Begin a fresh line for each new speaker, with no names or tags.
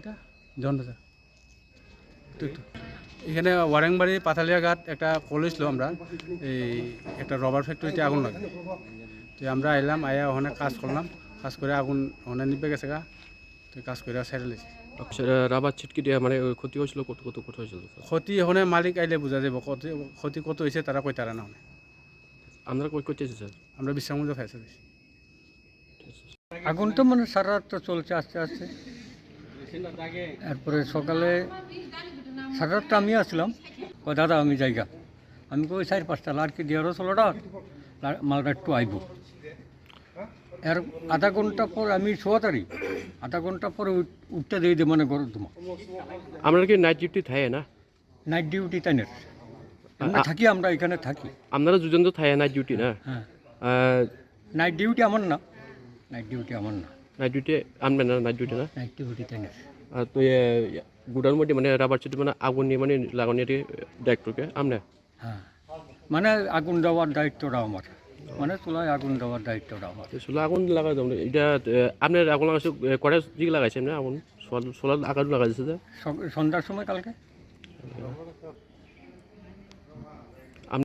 এটা জনবাজার একটু এখানে ওয়ারেংবাড়ি পাথালিয়া ঘাট একটা কলেজ ছিল আমরা এই একটা রবার ফ্যাক্টরিতে আগুন লাগে তো আমরা আইলাম আয়া ওখানে কাজ করলাম কাজ করে আগুন ওখানে নিভে গেছে গা তো কাজ করে সাইড লেছি
রাবার ছিটকে দিয়ে মানে ক্ষতি হয়েছিল কত কত কত হয়েছিল
ক্ষতি ওখানে মালিক আইলে বোঝা যাব ক্ষতি কত হয়েছে তারা কই তারা না
আপনারা কই করতেছে স্যার
আমরা বিশ্রামগঞ্জ ফায়ার সার্ভিস
আগুন তো মানে সারা রাত তো চলছে আস্তে আস্তে এরপরে সকালে সারা রাতটা আমি আসলাম ও দাদা আমি জায়গা আমি কই 4-5টা লাড়কি দিয়ে আরও ষোলোটা মালটা একটু আইব এর আধা ঘন্টা পর আমি শোয়াতারি আধা ঘন্টা পরে উঠতে দিয়ে দে মানে গরম তোমার
আপনারা কি নাইট ডিউটি থাকে না
নাইট ডিউটি তাই না থাকি আমরা এখানে থাকি
আপনারা দুজন তো থাকে নাইট ডিউটি না
হ্যাঁ নাইট ডিউটি আমার না নাইট ডিউটি আমার না
নাইট ডিউটি আনবেন না নাইট ডিউটি না
নাইট ডিউটি তাই না
আর তো গুড়ার মধ্যে মানে রাবার ছিট মানে আগুন নিয়ে মানে লাগানোর ডাইরেক্টরকে আমরা
হ্যাঁ মানে আগুন দেওয়ার দায়িত্বটা আমার মানে চুলায় আগুন দেওয়ার দায়িত্বটা আমার
আসলে আগুন লাগাই যাবো এটা আপনার আগুন লাগাইছে কটা দিকে লাগাইছেন না আগুন সোলার আগুন লাগাইছে
সন্ধ্যার সময় কালকে